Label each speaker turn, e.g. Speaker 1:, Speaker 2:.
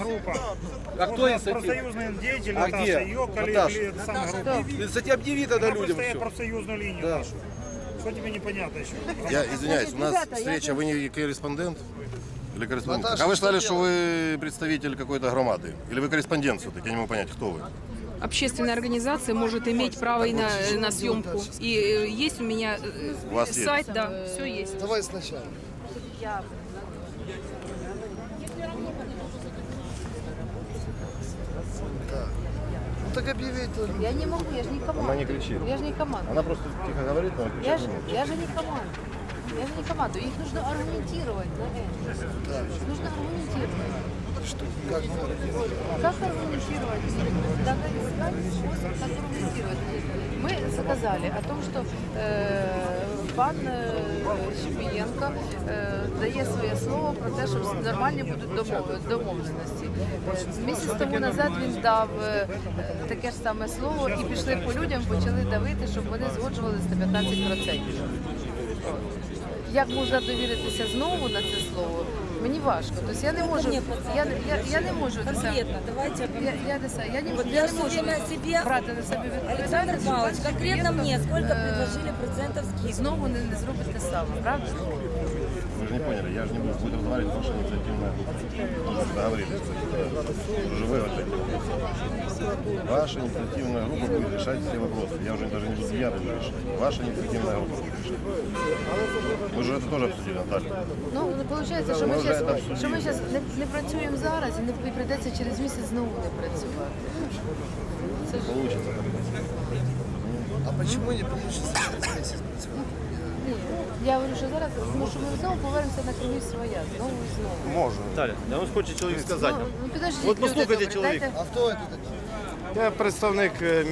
Speaker 1: группа.
Speaker 2: А кто
Speaker 1: Вот
Speaker 2: инициатива?
Speaker 1: профсоюзные деятели,
Speaker 2: А
Speaker 1: Наташа,
Speaker 2: где?
Speaker 1: ее коллеги,
Speaker 2: Наташа.
Speaker 1: это самая группа.
Speaker 2: Ты, кстати, объяви тогда
Speaker 1: Она
Speaker 2: людям
Speaker 1: простоит
Speaker 2: все.
Speaker 1: профсоюзную линию
Speaker 2: Да.
Speaker 1: нашу. Что тебе непонятно еще?
Speaker 3: Я извиняюсь, у нас
Speaker 4: Ребята, я
Speaker 3: встреча, вы не корреспондент? Или корреспондент?
Speaker 5: Наташа,
Speaker 3: А вы
Speaker 5: что
Speaker 3: сказали, что вы представитель какой-то громады? Или вы корреспондент все-таки? Я не могу понять, кто вы.
Speaker 4: Общественная организация может иметь право и на съемку. И есть у меня
Speaker 3: У вас есть?
Speaker 4: сайт, да, все есть.
Speaker 5: Давай сначала. Ну так объявить.
Speaker 6: Я не могу, я же не команда.
Speaker 3: Она не кричит.
Speaker 6: Я же не команда.
Speaker 3: Она просто тихо говорит, но
Speaker 6: Я
Speaker 3: кричать
Speaker 6: же,
Speaker 3: не может.
Speaker 6: я же не команда. Я же не команда. Их нужно аргументировать на это. Нужно аргументировать.
Speaker 5: Как мы
Speaker 6: Как аргументировать? Надо искать способ, как аргументировать. Мы заказали о том, что пан Щепієнко дає своє слово про те, що нормальні будуть домовленості. Місяць тому назад він дав таке ж саме слово і пішли по людям, почали давити, щоб вони згоджувалися на 15%. Як можна довіритися знову на це слово? Мені важко. Тобто я не можу. Я не можу
Speaker 7: Конкретно, давайте.
Speaker 6: я не
Speaker 7: Вот
Speaker 6: я
Speaker 7: я
Speaker 6: не
Speaker 7: все
Speaker 6: можу
Speaker 7: время о себе.
Speaker 6: брати на себе
Speaker 7: Александр
Speaker 6: відповідальність.
Speaker 7: Павлович,
Speaker 6: що пан
Speaker 7: конкретно
Speaker 6: Щепієнко,
Speaker 7: мне сколько предложили процентов
Speaker 6: і
Speaker 7: скидки?
Speaker 6: знову не зробить те саме, правда?
Speaker 3: Вы же не поняли, я же не буду будет разговаривать ваша инициативная группа. Мы же договорились, кстати. Уже вы ответили. Ваша инициативная группа будет решать все вопросы. Я уже даже не буду я буду решать. Ваша инициативная группа будет решать. Мы же это тоже обсудили, Наталья.
Speaker 6: Ну, виходить, що
Speaker 3: Ми
Speaker 6: ми
Speaker 3: вже
Speaker 6: зараз
Speaker 3: це
Speaker 6: не працюємо зараз і прийдеться через місяць знову не працювати. Це ж
Speaker 3: Получится.
Speaker 5: А почему не получится через месяц?
Speaker 6: ні. Я говорю, що зараз, тому що ми знову повернемося на круги своя, знову і знову.
Speaker 2: Можно. Наталья, я вам хочу чоловік сказати.
Speaker 6: Ну, підождіть,
Speaker 2: От послухайте
Speaker 6: люди добрі,
Speaker 2: чоловіка.
Speaker 6: дайте-
Speaker 5: А кто это такие?
Speaker 2: Я представник